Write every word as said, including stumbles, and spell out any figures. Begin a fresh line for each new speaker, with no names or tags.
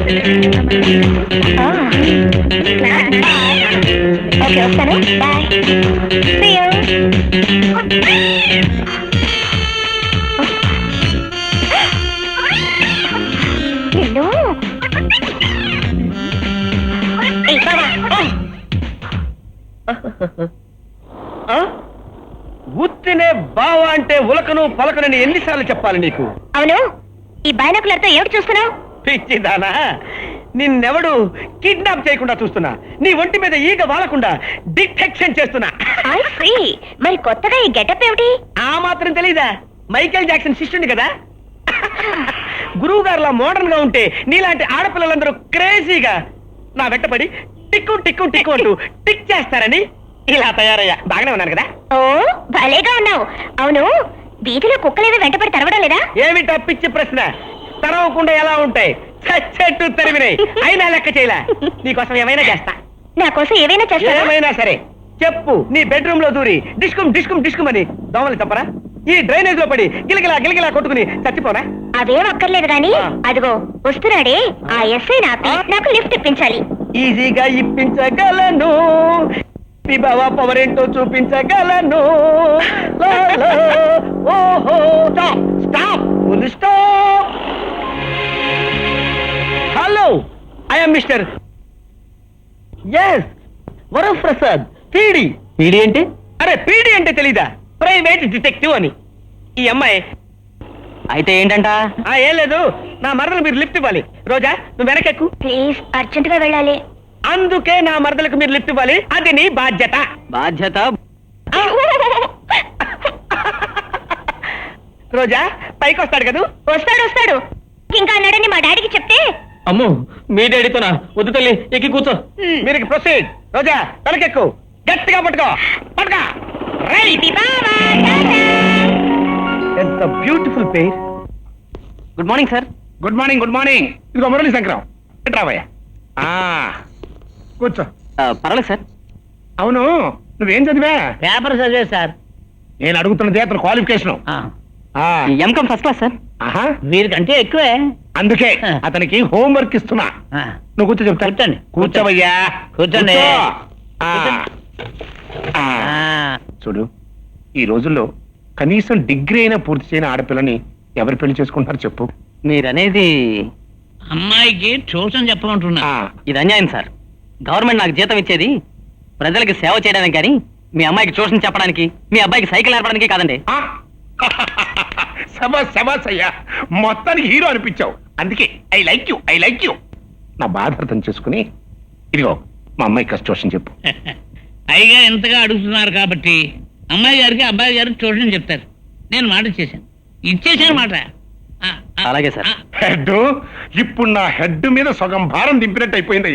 Okay వస్తాను bye See you. నిన్ను ఏయ్, బావా.
ఉత్తినే బావ అంటే ఉలకను పలకనని ఎన్నిసార్లు చెప్పాలి నీకు?
అవును ఈ బైనాకులర్తో ఏమిటి చూస్తున్నావు?
పిచ్చిదానా, నిన్నెవడు కిడ్నాప్ చేయకుండా చూస్తున్నా, నీ ఒంటి మీద ఈగ వాలకుండా డిటెక్షన్ చేస్తున్నా.
I see. మరి కొత్తగా ఈ గెటప్ ఏమిటి?
ఆ మాత్రం తెలీదా? మైకేల్ జాక్సన్ శిష్యుడి కదా. గురువు గారులా మోడర్న్ గా ఉంటే నీలాంటి ఆడపిల్లలందరూ క్రేజీగా నా వెంటపడి టిక్కు టిక్కు టిక్కు అంటూ టిక్ చేస్తారని ఇలా తయారయ్యా. బాగానే ఉన్నాను కదా?
ఓ భలేగా ఉన్నావు. అవును వీధిలో కుక్కలేవి వెంటపడి తరవడం లేదా?
ఏమిటా పిచ్చి ప్రశ్న? తరవకుండా ఎలా ఉంటాయి? చచ్చెట్టు తరిమినాయి. అయినా లెక్క చేయలే. నీకోసం ఏమైనా చేస్తా.
నా కోసం ఏవైనా చేస్తావా?
ఏమైనా సరే చెప్పు. నీ బెడ్రూమ్ లో దూరి డిస్కుమ్ డిస్కుమ్ డిస్కుమ్ అని దోమలు తప్పరా? ఈ డ్రైనేజ్ లో పడి గిలగిలా గిలగిలా కొట్టుకుని చచ్చిపోనా?
అవేం అక్కర్లేదు గాని
ఆ.
అదిగో వస్తున్నాడే ఆ ఎస్ఐ నాపి నాకు లిఫ్ట్ ఇప్పించాలి.
ఈజీగా ఇప్పించగలను, మీ బావ పవర్ ఏంటో చూపించగలను. లా, లా, ఓహో stop stop full stop. Hello, I'm mister S Varaprasad PD. PD అంటే? అరే పీడి అంటే తెలీదా? ప్రైవేట్ డిటెక్టివ్ అని. ఈ అమ్మాయి
అయితే ఏంటంట?
ఆ ఏం లేదు, నా మరదలు మీరు లిఫ్ట్ ఇవ్వాలి. రోజా నువ్వు వెనకెక్కు.
ప్లీజ్ అర్జెంట్ గా వెళ్ళాలి.
అందుకే నా మరదలకు మీరు లిఫ్ట్ ఇవ్వాలి. అది నీ బాధ్యత.
బాధ్యత?
రోజా పైకి వస్తాడు కదూ?
వస్తాడు వస్తాడు ఇంకా అన్నాడని మా డాడీకి చెప్తే
అమ్ము, మీ డాడీతోనా? వద్దు తల్లి, ఎక్కి కూర్చో.
మీరు ప్రొసీడ్. రోజా వెనకెక్కు, గట్టిగా పట్టుకో పట్టుకో. రైట్.
బావా, టాటా.
ఎంత beautiful pair.
Good morning sir.
Good morning good morning. ఇదిగో మురళి శంకరం, రావయ్యా. కూర్చో.
పర్వాలేదు సార్.
అవును నువ్వేం చదివా?
పేపర్ చదివే సార్.
నేను అడుగుతున్నది అతను qualification.
MCom first class sir.
ఆహా,
వీరికంటే ఎక్కువే.
అందుకే అతనికి హోంవర్క్ ఇస్తున్నా. నువ్వు కూర్చో చెప్తా.
కూర్చోండి.
కూర్చోవయ్యా.
కూర్చోండి.
కూర్చో. ఆ.
కూర్చోండి.
ఆ. చూడు, ఈ రోజుల్లో కనీసం డిగ్రీ అయినా పూర్తి చేయని ఆడపిల్లని ఎవరు పెళ్లి చేసుకుంటారు చెప్పు?
మీరనేది
అమ్మాయికి ట్యూషన్ చెప్పమంటున్నా.
ఆ.
ఇది అన్యాయం సార్. గవర్నమెంట్ నాకు జీతం ఇచ్చేది ప్రజలకి సేవ చేయడానికి, కానీ మీ అమ్మాయికి ట్యూషన్ చెప్పడానికి, మీ అబ్బాయికి సైకిల్ నేర్పడానికి కాదండి.
ఆ. శబాస్ శబాస్ అయ్యా, మొత్తానికి హీరో అనిపించావు. అందుకే I like you I like you. నా బాధ అర్థం చేసుకుని ఇదిగో మా అమ్మాయి కష్టం చెప్పు.
అయ్యగా ఎంతగా అడుగుతున్నారు కాబట్టి అమ్మాయి గారికి అబ్బాయి గారికి ట్యూషన్ చెప్తారు. నేను మాట ఇచ్చేసాను, ఇచ్చేసాను మాట.
అలాగే సార్.
హెడ్ ఇప్పుడు నా హెడ్ మీద సగం భారం దింపినట్టు అయిపోయింది.